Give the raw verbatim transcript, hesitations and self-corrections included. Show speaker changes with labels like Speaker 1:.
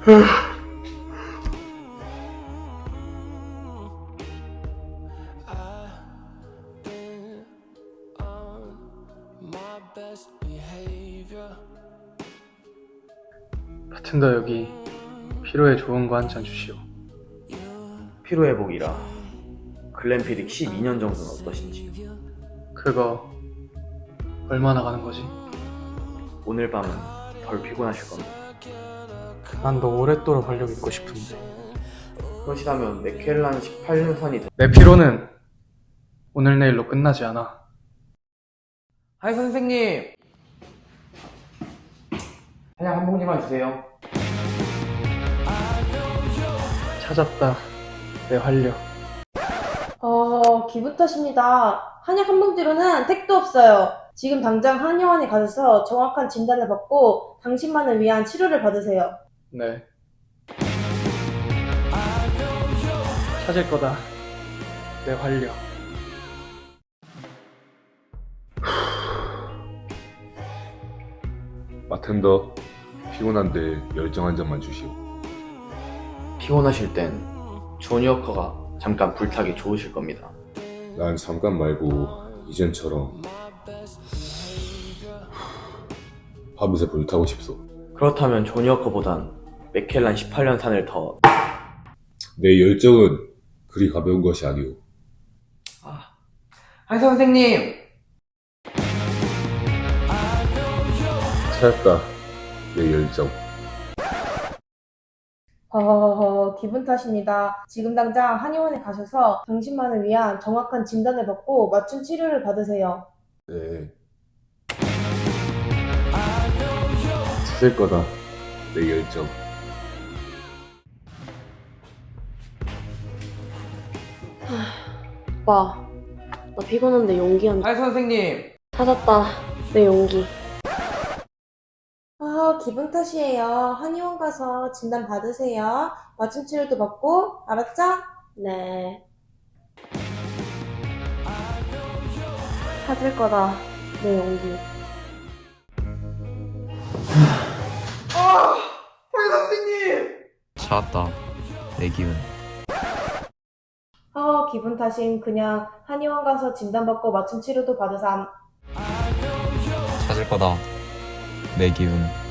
Speaker 1: 바텐더 여기 피로에 좋은 거 한 잔 주시오.
Speaker 2: 피로회복이라 글램피딕 십이 년 정도는 어떠신지.
Speaker 1: 그거 얼마나 가는 거지?
Speaker 2: 오늘 밤은 덜 피곤하실 겁니다.
Speaker 1: 난 너 오랫도록 활력 있고 싶은데.
Speaker 2: 그러시다면 맥켈란 십팔 년 산이 더...
Speaker 1: 내 피로는 오늘 내일로 끝나지 않아.
Speaker 2: 하이 선생님! 한약 한 봉지만 주세요.
Speaker 1: 찾았다, 내 활력.
Speaker 3: 어, 기분 탓입니다. 한약 한 봉지로는 택도 없어요. 지금 당장 한의원에 가셔서 정확한 진단을 받고 당신만을 위한 치료를 받으세요.
Speaker 1: 네. 찾을 거다, 내 활력.
Speaker 4: 바텐더, 피곤한데 열정 한 잔만 주시오.
Speaker 2: 피곤하실 땐 조니워커가 잠깐 불타기 좋으실 겁니다.
Speaker 4: 난 잠깐 말고 이전처럼 밤새 불타고 싶소.
Speaker 2: 그렇다면 조니워커보단 맥켈란 십팔 년 산을 더...
Speaker 4: 내 열정은 그리 가벼운 것이 아니오.
Speaker 2: 아... 하이 선생님!
Speaker 4: 찾았다, 내 열정.
Speaker 3: 허허허, 기분 탓입니다. 지금 당장 한의원에 가셔서 당신만을 위한 정확한 진단을 받고 맞춤 치료를 받으세요.
Speaker 4: 네. 찾을 거다, 내 열정.
Speaker 5: 오빠, 나 피곤한데 용기 한
Speaker 2: 하이 선생님!
Speaker 5: 찾았다. 내 용기.
Speaker 3: 아, 기분 탓이에요. 한의원 가서 진단 받으세요. 맞춤 치료도 받고, 알았죠?
Speaker 5: 네. 찾을 거다. 내 용기.
Speaker 2: 아! 하이 선생님!
Speaker 6: 찾았다. 내 기운.
Speaker 3: 아, 기분 탓임. 그냥 한의원 가서 진단 받고 맞춤 치료도 받으삼.
Speaker 6: 찾을 거다. 내 기운.